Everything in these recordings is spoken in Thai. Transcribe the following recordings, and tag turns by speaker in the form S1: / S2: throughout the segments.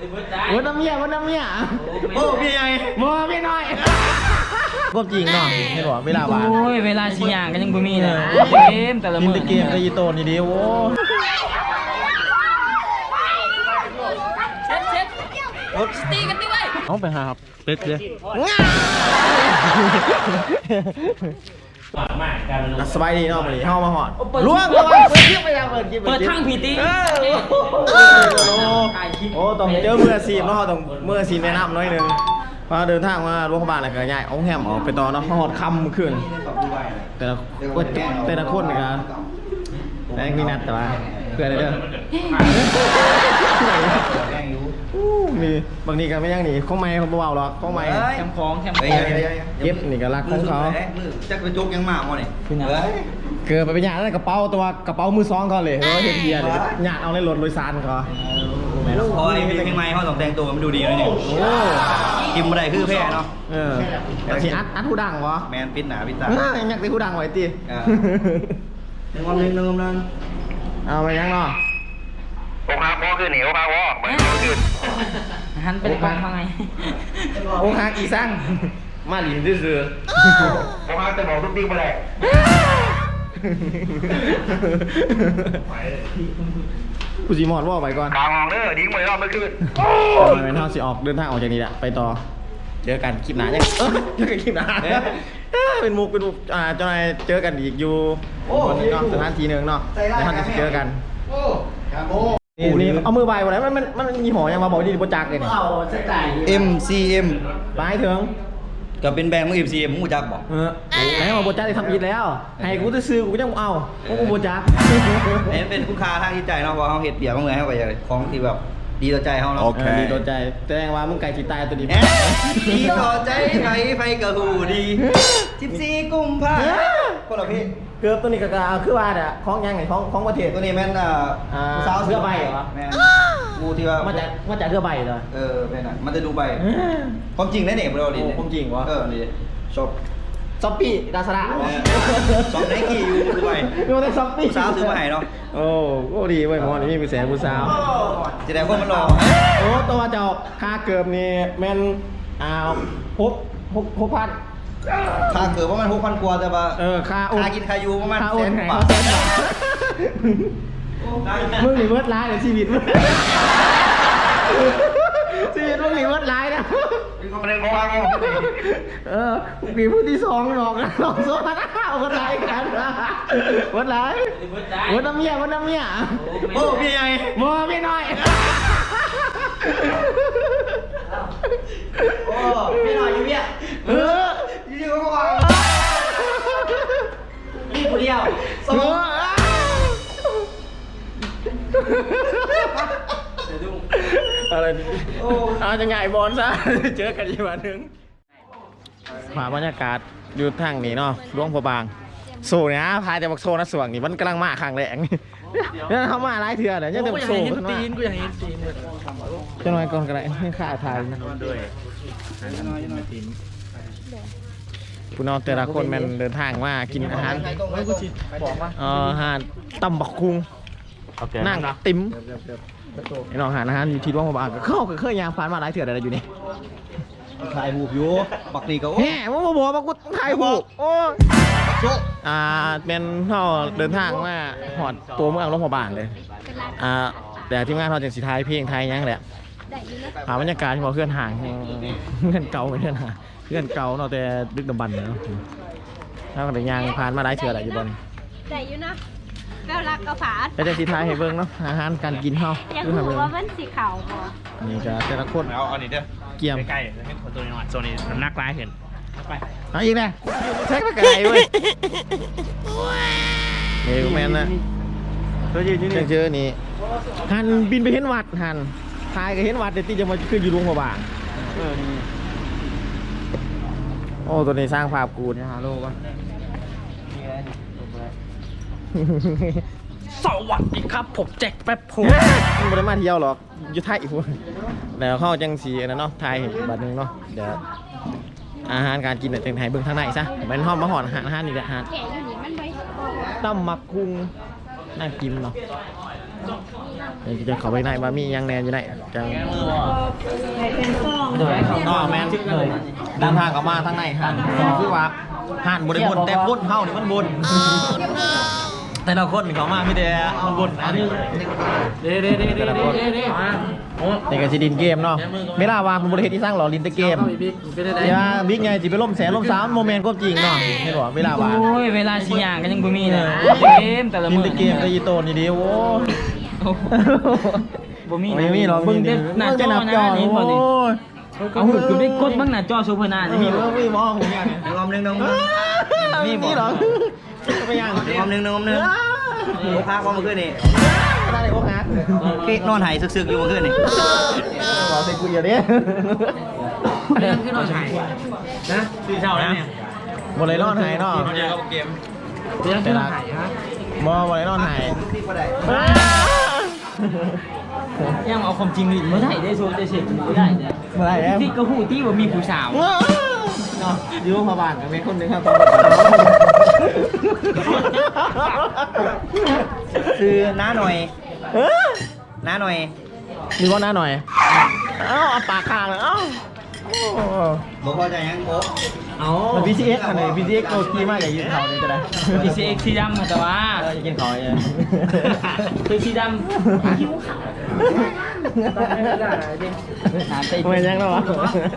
S1: โอ้น้ำเมียโอ้เมียใหญ่เมียน้อยก็จริงเนาะไม่บอกเวลาบ้าน
S2: โอ้ยเวลาชิย่างก็ยังบ่มีเลยเกมแต่ละมื้อ
S1: เกมก็ยีโตนี่ดิโอ้
S2: ตีกันดิเว้ย
S1: เอาไปหาครับเป็ดเลยสบายดีเนาะวันนี้เข้ามาหอดล้วงเปิดคลิปไปยังเปิด
S2: ทั้งผีตี
S1: โอ้ต้องเจอเมื่อซีมเนาะต้องเมื่อซีมแนะนำหน่อยนึงพอเดินทางมาโรงพยาบาลอะไรก็ง่ายเอาแฮมออกไปต่อเนาะหอดคำขึ้นแต่ละคนนะครับแต่มีนัดแต่ว่าเพื่อนเด้อนี่บางทีก็ไม่ยังหนีข้องไม้เขาเบาหรอกข้องไม้
S2: แคมของ
S1: เก็บนี่ก็รักของเขา
S3: จะไปจุกยังมากมั้งนี่
S1: เกิดไปเป็นหยาดแล้วกระเป๋าตัวกระเป๋ามือซองเขาเลยเฮียเฮียเลยหยาดเอาในรถโดยสารเขา
S3: โอ้ยเพลงใหม่เขาต้องแต่งตัวมันดูดีเลยเนี่ยกินมาได้คือแพ้เนาะ
S1: แต่ที่อัดผู้ดังวะ
S3: แมนปิดหนาปิดตา
S1: อยากได้ผู้ดังไว้ตี
S3: หนึ่งวันหนึ่งนั่น
S1: เอาไปยังเนาะ
S4: โอ้ฮาพ่อคือเหนียวฮาพ่อเหมือนขึ้น
S2: หันไปกองข้างใน
S1: โอ้ฮาอีสั่งมาหลินซื่อ
S4: โอ้ฮาจะบอกทุกทีไปเลย
S1: กูจีมอดว่าไปก่อน
S4: กลางมองเด้อดิ้งไปรอบไม่ขึ้น
S1: ทำไมเท่าสิออกเดินทางออกจากนี้แหละไปต่อเจอกันคลิปหนาเนี่ยเจอกันคลิปหนาเป็นมุกเจ้านายเจอกันอีกอยู่วันนี้เนาะสถานที่หนึ่งเนาะในท่านจะเจอกันนี่เอามือใบวันไหนมันมีหอยังมาบอกดีโปรจักเลยเนี่ย
S3: MCM
S1: ไปถึง
S3: ก็เป็นแบรนด์มึง MCM มึงจักบอก
S1: ไหนมาโปรจักได้ทำอีกแล้วให้กูจะซื้อกูยังเอากูโปรจัก
S3: เป็นคุณค่าทางจิตใจเนาะว่าเขาเห็ดเบียร์มาเมื่อให้ไปของที่แบบดีต่อใจเขาเนาะ
S1: ดีต่อใจแสดงว่ามึงไก่จีตายตัวดี
S3: ดีต่อใจไฟกระหูดี14 กุมภาพันธ์คนละพี่
S1: เกือบตัวนี้ก็คือว่าเนี่ยคล้องยังไงคล้องประเทศ
S3: ตัวนี้แม่น
S1: สาวเสื้อใบเหรอ
S3: แม่กูที่ว่า
S1: มาจากเสื้อใบเหรอ
S3: แม่น่ะมันจะดูใบความจริงได้เนี่ยเราดิ
S1: ความจริงวะ
S3: นี่ชอบ
S1: ซ็อปปี้ดาสระ
S3: สองไนกี้อยู่ดูใบ
S1: ดูแต่ซ็อปปี้
S3: สาวซื้อมาให้เนาะ
S1: โอ้ดีเว้ยมอนี่มีแสงผู้สาว
S3: จะได้คนมันรอ
S1: โอ้ตัวเจ้าค่าเกือบนี่แม่น6,000
S3: ค่าเกือบว่ามัน6,000 กว่าแต่ว่า
S1: ค่า
S3: กินค่าอยู่ประมาณ
S1: 100,000 บาทมึงหนีเวิร์ดร้ายเลยชีวิตมึงมึงหนีเวิร์ดร้ายนะมีผู้ที่สองหลอกนะหลอกโซ่เอาคนร้ายกันเวิร์ดร้ายเวิร์ดน้ำเมีย
S3: โอ้เมียใหญ่
S1: เมียน้อย
S3: โอ้เมียน้อยอยู่เมียอยู่ก็วางนี่คนเดียว
S1: อะไรจะง่ายบอลซะเจอกันอีกวันนึงมาบรรยากาศอยู่ทางนี้เนาะหลวงพระบางโซ่เนี่ยพายแต่บักโซ่นะส่วงนี่มันกำลังมาข้างแหลงนี่เขามาหลายเถื่อนเลยยังแต่บักโซ่ขึ้นมา
S2: กูอยากเห็นตีน
S1: จะน้อยก่อนกันเลยให้ข้าถ่ายนะผู้น้องแต่ละคนมันเดินทางมากินอาหารอาหารตำบักคุงนั่งติ๋มไอ้น้องหาอาหารอยู่ที่ร่วงมาบ้างก็เข้าเคยยางผ่านมาหลายเถื่อนอะไรอยู่นี่
S3: ถ่ายหูบอยู่ปักนี่ก็
S1: แหมมึงบอกว่ากูถ่ายหูบโอ้เป็นเขาเดินทางมาหอดตัวเมืองร่วงมาบ้านเลยแต่ทีมงานเขาจะสีไทยเพลงไทยยังแหละหาบรรยากาศที่เราเคลื่อนห่างเพื่อนเก่าไม่เคลื่อนห่างเพื่อนเก่าเนาะแต่ดึกดำบรรพ์เนาะถ้าเกิดยางผ่านมาหลายเถื่อนอะไรอยู่บน
S5: ได้อยู่นะแววรักกระฝาด
S1: แต่สีไทยให้เบิ้งเนาะอาหารการกินเขา
S5: อยากรู้ว่ามันสีขาวบ่
S1: นี่ก็แต่ละคน
S4: เอาอันนี้เด้อ
S1: เกี่ยม
S4: ใกล้ๆให้คนตัวนี้หน่อยโซนนี้น้ำหนักร้ายเห็นไป
S1: เอาอีกนะเช็คไปไกลเว้ยเฮ้ยแมนนะเจอนี่ฮันบินไปเห็นวัดฮันทายก็เห็นวัดแต่ที่จะมาขึ้นอยู่หลวงพระบางโอ้ตัวนี้สร้างภาพกูเนี่ยฮะโลกวะ
S2: สวัสดีครับผมแจ็คแป๊บผม
S1: ไม่ได้มาเที่ยวหรอกอยู่ไทยอีกคนแล้วเข้าจังสีนะเนาะไทยบัดนึงเนาะเดี๋ยวอาหารการกินเนี่ยจังไทยเบื้องทางไหนซะเป็นห้องมาหอนอาหารนี่แหละฮะตั้มมักคุงน่ากินเนาะจะเข้าไปในบะหมี่ยังแนนอยู่ไหนจัง
S2: เดี๋ยวเขา
S1: นอกแม่นเลยเดินทางเข้ามาทางในหันคือว่าหันบริบนแต่บนเฮานี่มันบนแต่ละคนเขามาไม่ได้มันบนอันนี้
S2: เด้
S1: นี่ก็สิดินเกมเนาะเวลาวางเป็นบริเวณที่สร้างหล่อลินแตะเกมเดี๋ยวบิ๊กไงสิไปล่มแสนล่มสามโมเมนต์ก็จริงเนาะเห็นบ่เวลาวาง
S2: โอ้ยเวลาสิย่างก็ยังบ่มีเลยเกมแต่ละ
S1: ลิน
S2: มื้อ
S1: แตะเกมตะยีโตนี่ดิโอ้
S2: บ่มี
S1: ไม่มีหรอก
S2: เบิ่งเด้หน้าจอนะนี่บ่นี่เอาหูคือได้กดบ้างหน้าจอซูเปอร์นาจะมีบ่
S1: มีมองอย่างเงี้ย
S3: งอมหนึ่งงอมหนึ่ง
S1: มีหรอไปยัง
S3: งอมหนึ่งงอมหนึ่งโอ้พักว่าเมื่อคืนนี่
S1: อะไรโอ้ฮัก
S3: นอนหายซึกๆอยู่เมื่อคืนนี่
S1: บอกใส่กูอย่าเด้
S2: เรื่องขึ้นหน่อยนะตื่นเช้าแล้วเนี่ย
S1: บอลเลยนอนหายเนาะ
S2: เรื่องขึ้นหน่อยฮะ
S1: บอลเลยนอนหาย
S2: ยังเอาความจริงไม่ได้ได้โซนได้เสร็จไม่ได้เนี่ย
S1: เมื่อไหร่แล้ว
S2: ที่กระหูที่ว่ามีผู้สาว
S1: เนาะยูพอบานกับเมฆคนหนึ่งครับ
S3: คือน้าหน่อยน้าหน่อย
S1: มีว่าหน้าหน่อยเอ้าเอาปากข้างเลยเอ้า
S3: บอกพอใจยังโอ้
S1: เอามัน PCX อันไหน PCX โตกี้มากอย่ายืนเขานี่จะได้
S2: พีซีเอ็กซ์สีดำแต่ว่า
S1: อย่ากินเขาเลย
S2: คือสีดำคิ้วขาวหาเต้
S1: ไม่ยังแล้ววะ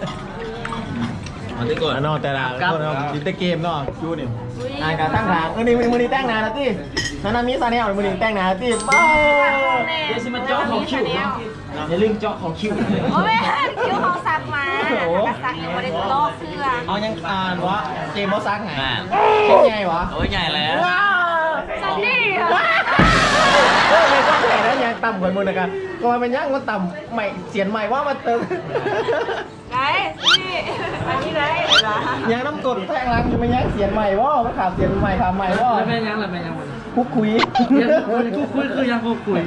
S2: มันได้ก่อน
S1: นอกแต่ละคนเราดิจิเกมเนาะจูนี่อ่านการตั้งทางนี่มือนี้แต่งนานนะที่นามิซาเนลมือนี้แต่งนานนะที่บ้า
S2: เดี๋ยวสิมาเจาะของคิ้วอย่าลืมเจาะของคิ้ว
S5: โอ้ยคิ้วเขาซักมาแล้วซักยังไม่ได้ลอกเสื้อ
S1: เอายังอ่านวะเกมบอสซักไงเกมใหญ่วะ
S2: โอ้ยใหญ่แล้ว
S1: ว้าว
S5: ซันนี่เหรอ
S1: ไม่ต้องแข่แล้วยังต่ำกว่ามือนะครับก็มันยังมันต่ำใหม่เสียนใหม่ว่ามันเติม
S5: ไหนนี่อันนี้ไหนเหรอ
S1: ยังน้ำกดแท่งรังอยู่มันยังเสียนใหม่ว่ามันขาดเสียนใหม่ขาดใหม่ว่า
S2: แล้วแม่ยังแล้วแม่ยัง
S1: คุกคุย
S2: กูคุยคือยังกูคุย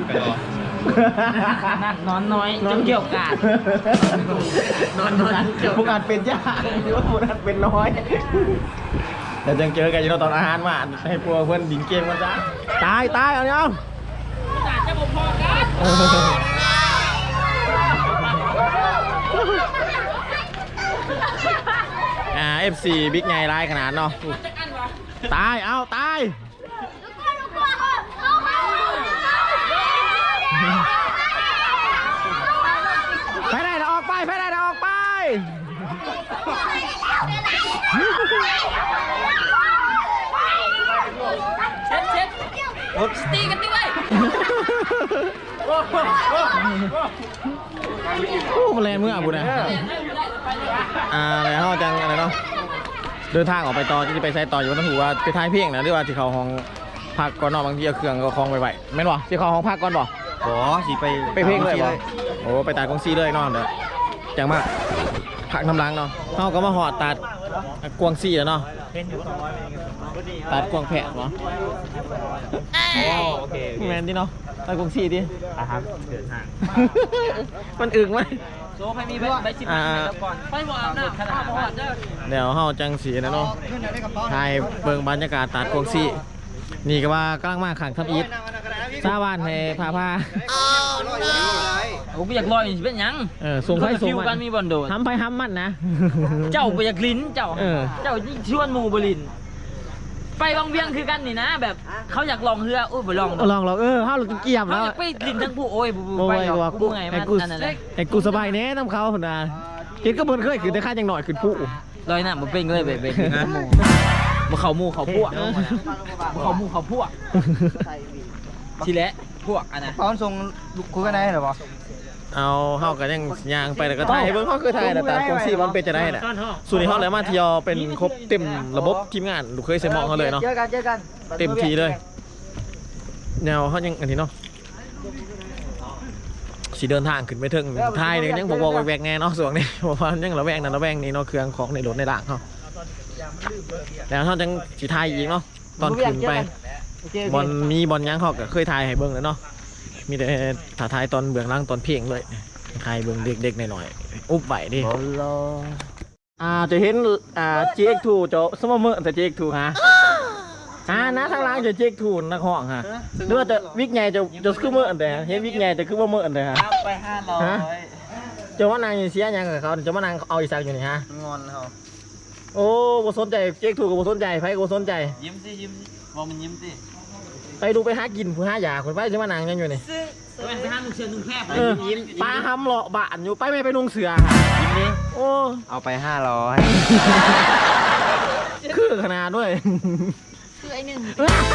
S2: นอนน้อยจนเกี่ยวกาดนอนน้อย
S1: พวกอาจเป็นยากหรือว่าพวกอาจเป็นน้อยเดี๋ยวจะเจอกันอยู่ตอนอาหารมาให้พวกเพื่อนดินเกมกันจ้าตายเอาเนี่ย
S2: จะบอกพอกัน
S1: FC บิ๊กไงร้ายขนาดเนาะตายเอาตายไปได้เราออกไปไปได้เราออกไป
S2: เช็ดสตีกันดิไว้
S1: โอ้มาแรงเมื่อบุญนะแล้วจังอะไรเนาะเดินทางออกไปต่อที่ไปใช้ต่ออยู่ต้องถือว่าไปท้ายเพียงนะหรือว่าที่เขาห้องพักก่อนนอกบางทีเอาเครื่องก็คล้องไปไหวแม่นบ่ที่เขาห้องพักก่อนบ่
S3: บอสิไป
S1: ไปเพ่งเลยบ่โอ้ไปตัดกงซีเลยนอนเด้อจังมากพักน้ำล้างเนาะเขาก็มาหอดตัดกวงซีแล้วเนาะตัดกวงแผะบ่โอเคแมนดิเนาะตัดกวงซีดิครับเดินทางมันอึกไหม
S2: โซ่ให้มีใบชิมแล้วก่อนไปบอกอาบน้ำขนาดว่าเด้อ
S1: เดี๋ยวเฮาจังสีนะเนาะถ่ายเบิ่งบรรยากาศตัดกวงซีนี่ก็ว่ากำลังมาขังทับอีทซาบ้านให้พา
S2: ผมอยากลอยเป็นยัง
S1: ส่งไปส่ง
S2: ฟิวกันมีบอลโดด
S1: ห้ำไปห้ำมันนะ
S2: เจ้าไปอยากลิ้นเจ้า
S1: เออ
S2: เจ้าชวนหมูบลินไปบางเวียงคือกันนี่นะ แบบเขาอยากลองเรือโอ้ยไปลอง
S1: ลองเราเฮาเราเกี่ยม
S2: เขา
S1: แล้ว
S2: อยากไปลิ้นทั้งผู้โอ้ย
S1: โอ้
S2: ไป
S1: ย
S2: หร
S1: ว่า
S2: อกกูไงมันนั่นแหละ
S1: ไอ้กูสบายแน่น้ำเขาพุ่นน่ะกินก็บ่เคยขึ้นแต่ค่าจังหน่อยขึ้นผู้
S2: ลอยน้ำมาเป็นเลยไปมาเขาหมูเขาพวกเขาหมูเขาพวกทีแหละพวกอันนะ
S3: ตอนส่งคุยกันได้หรอปะ
S1: เอาเฮาก็ยังย่างไปแล้วก็ถ่ายเบิ่งเฮาคือถ่ายแต่กงซีมันเป็นจะได้น่ะส่วนนี้เฮาเลยมาเที่ยวเป็นครบเต็มระบบทีมงานลูกเคยใส่หมองเขาเลยเนาะ
S3: เจอกัน
S1: เต็มทีเลยแนวเขายังอันนี้เนาะสิเดินทางขึ้นไปถึงท้ายนี่ยังบอกแวกแน่เนาะส่วนนี้เพราะว่ายังระแวงนั่นระแวงนี่เนาะเครื่องของในรถในด่างเขาแล้วเขาจังสิทายอีกเนาะตอนขึ้นไปบอลมีบอลยังเขาก็เคยทายให้เบิ่งแล้วเนาะมีแต่ถ่ายทายตอนเบื้องหล่างตอนเพลงเลยทายเบิ่งเด็กๆหน่อยๆอุ๊บไหวดิจะเห็นGX2 จะสมมติแต่ GX2 ฮะนะทางล่างจะเจ๊กถูนนักห้องฮะหรือว่าจะวิกใหญ่จะคือเมื่ออันใดฮะเห็นวิกใหญ่จะคือว่าเมื่ออันใดฮะ
S3: ไป500
S1: จะว่านางเสียยังกับเขาจะว่านางเอาอีสักอยู่นี่ฮะ
S3: งอนเขา
S1: โอ้บ่สนใจเจ๊กถูกกับบ่สนใจไผก็บ่สนใจ
S2: ยิ้มสิบอกมันยิ้มสิ
S1: ไปดูไปหากินผู้หายาคนไปจะว่านางยังอยู่นี่
S2: ไปห้ามนุ่งเชือกนุ่งแคบ
S1: ยิ้มปลาหำเลาะบานอยู่ไปไม่ไปนุ่งเสือฮะยิ้มนี่โอ้
S3: เอาไป500
S1: คือขนาดด้วย
S5: คือไอ้หนึ่ง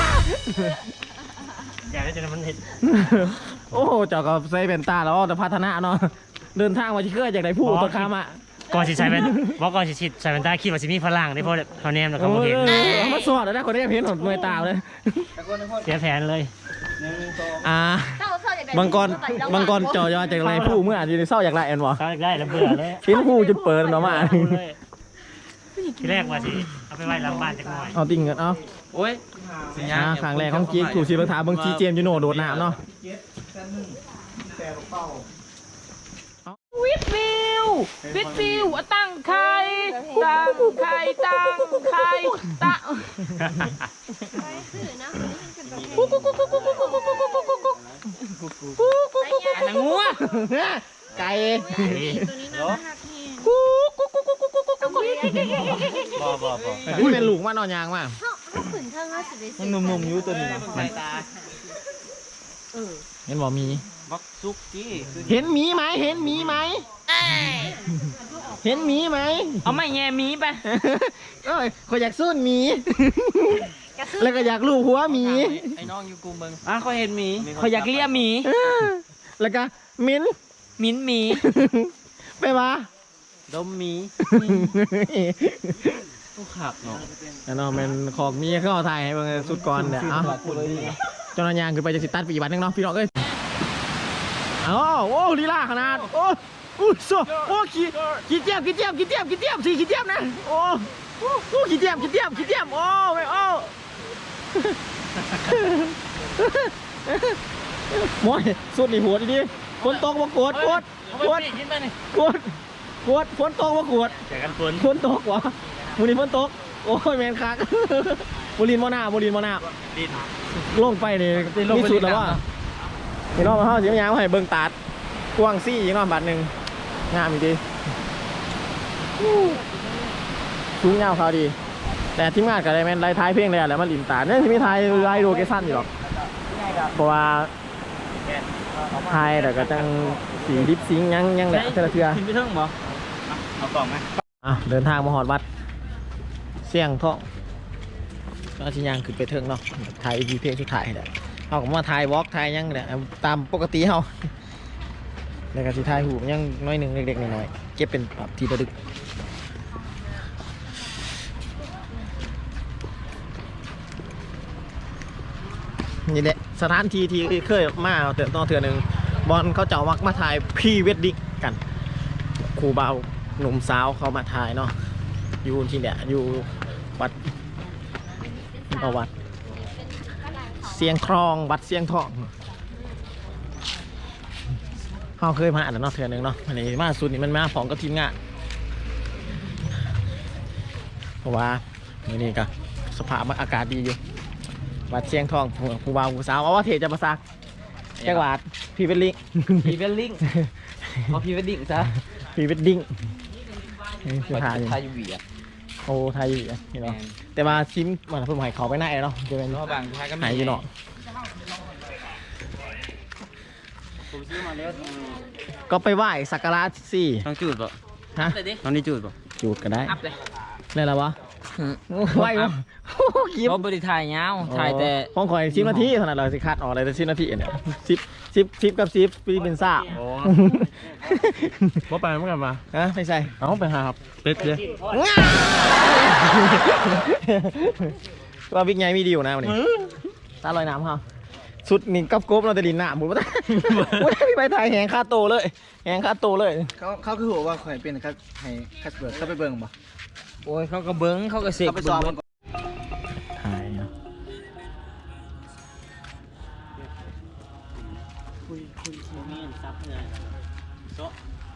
S2: อยากให้เจอมันเห็น
S1: โอ้เจ้าก็ใส่เป็นตาแล้วแต่พัฒนาเนาะเดินทางมาที่เคยจากไหนผู้ตัวคามอ่ะ
S6: ก่อนสิใส่เป็นบอกก่อนสิใส่เป็นตาคิดว่าสิมีฝรั่งได้เพราะเขาแนมแล้วเขาบ่เห็น
S1: มาสอดแล้วนะคนนี้เห็นหนมวยตาเลย
S6: เสียแผนเลย
S1: บางกรจอยอจากไรผู้เมื่ออาจจะเศร้าจากไรแอนวะ
S6: เขาได้แล้วเบื่อเลย
S1: เห็นผู้จนเปิดเนาะมา
S6: ทีแรกว่าสิเอาไปไว้หลังบ้านจักหน่อย
S1: เอาติ่งเงินเอา
S2: โอ้ย
S1: ครั้งแรกของกิ๊กถูกชีพถามเบิ่งจีเจมยูโน่โดดน้ำเนาะ
S7: วิดฟิวตั้งไข่ตั้งไข่ตั้งไข่ตั้ง
S6: นางงัว
S1: ไก่ นี่เป็นลูกมานอนยางมา
S5: เขาขืนเท่านั้นสิ
S2: มันหนุ่มๆอยู่ตัวนี้มัน
S1: เห็นบอกมี
S2: บักซุกจี้
S1: เห็นหมีไหมเห็นหมีไหมเห็นหมีไหม
S7: เอาไม่แง่มีไป
S1: เอ้ยขอยอยากสู้หมี แล้วก็อยากลูบหัวหมี
S2: ไอ้น้องอยู่กูเบิ่งเขาเห็นหมี
S7: เขาอยากเลี้ยหมี
S1: แล้วก็มิ้น
S7: มิ้นหมี
S1: ไปมา
S2: ดมหมีกูขับเนาะ
S1: แล้วเนาะเป็นของมีเข้าไทยให้เบิ่งสุดก่อนเนี่ยเอ้าจนยางขึ้นไปจะสิตัดไปอีกบัตรนึงเนาะพี่น้องเอ้ยโอ้ลีลาขนาดโอ้อู้โซโอ้ขี้เจี๊ยบสิขี้เจี๊ยบนะโอ้ขี้เจี๊ยบโอ้ไม่โอ้มอยสุดนี่หัวดีๆฝนตกมาโกดฝนตกมาโกด
S6: เจอกันฝน
S1: ฝนตกวะมูลินฝนตกโอ้ยแมนคักมูลินมอนาลงไปนี่มีสุดแล้วว่าพี่น้องมาเข้าสิมายางมาให้เบิ่งตาดกว้างซี่อีกน้องบาทหนึ่งงามอีกดีสูงยาวเขาดี แต่ทีมงานกับไดแมนไล่ท้ายเพลงเลยแหละมันลินตาเนี่ยที่มีท้ายไล่โลเคชั่นอยู่หรอกเพราะว่าท้ายแต่ก็จังสีลิปซิงยังแหละเทื่อ
S2: ขึ้นไปเทิงบ่เอากล่องไหม
S1: เดินทางมาหอดวัดเสี่ยงท่องก็ชิยางขึ้นไปเทิงเนาะถ่ายอีพีเพลงสุดท้ายแหละเอาก็มาถ่ายวอล์กถ่ายยังแหละตามปกติเขาแล้วก็สิถ่ายหูยังน้อยหนึ่งเล็กๆน้อยๆเก็บเป็นแบบทีระลึกนี่แหละสถานที่ที่เคยมาเถื่อหนึ่งบอลเขาเจ้ามักมาถ่ายพรีเวดดิ้งกันครูเบาหนุ่มสาวเขามาถ่ายเนาะอยู่ที่เนี่ยอยู่วัดวัดเสียงครองวัดเสียงทองเขาเคยมาอ่านเนาะเถื่อหนึ่งเนาะอันนี้มาสุดนี่มันมาของกับทีมงานเพราะว่านี่ก็สภาพอากาศดีอยู่วัดเสียงทองครูเบาครูสาวเอาว่าเทจะมาซักแจ้งวัดพรีเวดดิ้ง
S2: พรีเวดดิ้งเอาพรีเวดดิ้งซะ
S1: พรีเวดดิ้งคือถ่าย
S2: ไทยวีอ่ะ
S1: โอ้ไทยอยู่นี่เนาะแต่ว่าซิมมันเพิ่มให้เขาไปไหนเนาะจะเป็น
S2: บางไทยก็
S1: หายอยู่เนาะ
S2: ผมซื้อมาแล้ว
S1: ก็ไปไหว้สักการะสิ
S2: ต้องจูดป่ะ
S1: ฮะ
S2: ต้องนี่จูดป่ะ
S1: จูดก็ได้
S7: อัพเลย
S1: นี่แหละวะไหว้วะคลิป
S7: เพราะบริถ่ายยาวถ่ายแต่
S1: ห้องคอย10 นาทีขนาดเราสิคัดออกเลยแต่10 นาทีเนี่ย10กับ10ปีเป็นซ่า
S6: ว่าไปเมื่อกันมา
S1: ฮะไม่ใช่
S6: เอาไปหาครับเป็ดเลย
S1: ว่าบิ๊กใหญ่มีดีอยู่นะวันนี้ตาลอยน้ำเขาสุดนี่กับโกบเราจะดินหน้าหมูไม่ได้พี่ไปถ่ายแหงคาโตเลยแหงคาโตเลย
S3: เขาคือหัวว่าข่อยเป็นครับให้คัสเบิร์ดเข้าไปเบิ่งบ่
S7: โอ้ยเขาก็เบิ้งเขาก็เสก
S3: เข้าไปซ้อม
S7: เบิ่ง
S1: ถ่ายเนาะ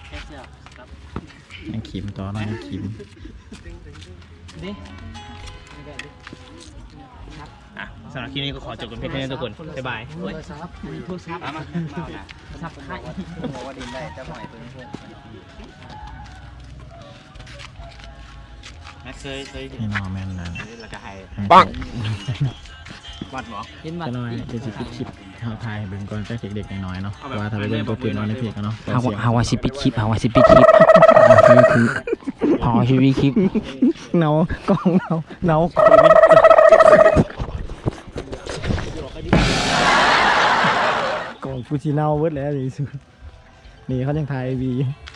S1: ยังขีมต่อเนาะยังขีม
S7: ดิ
S6: อ่ะสำหรับคลิปนี้ก็ขอจบกันเพียงเท่านี้ทุกคนบ๊ายบาย
S2: ซับไข่
S3: บอกว่าดินได้จะหอยตัวนี้พวก
S6: แม็กเคย
S1: นี่นอแมนนั่น
S6: แล้วก็ให้
S1: ปัง
S6: วัดหมอ
S2: เห็นบ่
S1: จะน้อยจะสิปิดคลิปเฮาทายเบิ่งก่อนจักเด็กๆน้อยๆเนาะว่าถ้าไปเบิ่งตัวเต็มเนาะในเพจกันเนาะ
S2: ฮาวาสิปิดคลิปฮาวาสิปิดคลิปคือพอชีวิตคลิป
S1: เนากล้องเนากล้องกล้องฟูจิเนาเวิร์ดแล้วนี่สุดนี่เขายังถ่ายวี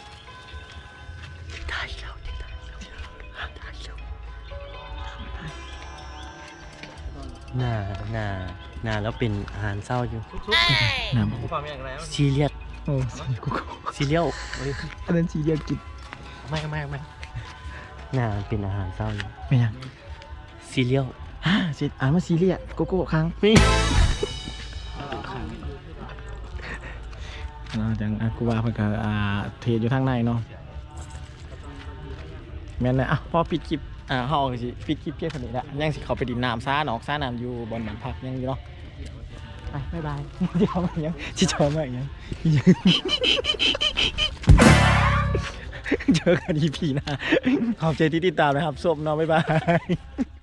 S6: หน้าแล้วเป็นอาหารเศร้าอยู่
S1: น้
S6: ซีเรียส
S1: ำโอ้กู
S6: ซีเรียล
S1: อันนั้นสีเรียกกิน
S6: ไม่หน้าเป็นอาหารเศร้าอยู่
S1: ไม่ยัง
S6: ซีเรียล
S1: สิอ่านว่าซีเรียสโกโก้ครั้ง
S6: นี่
S1: จังกูว่าเพิ่นก็เทรดอยู่ทางในเนาะแม่นเลยพอปิดคลิปเฮาก็สิปิดคลิปเพียงเท่านี้ละยังสิเข้าไปดินน้ำซ่าหนองซ่าน้ำอยู่บนบ้านพักยังอยู่เนาะไปบ๊ายบายสิเข้ามายังสิชมมาอีกยังเจอกัน EP หน้าขอบใจที่ติดตามนะครับส้มเนาะบ๊ายบาย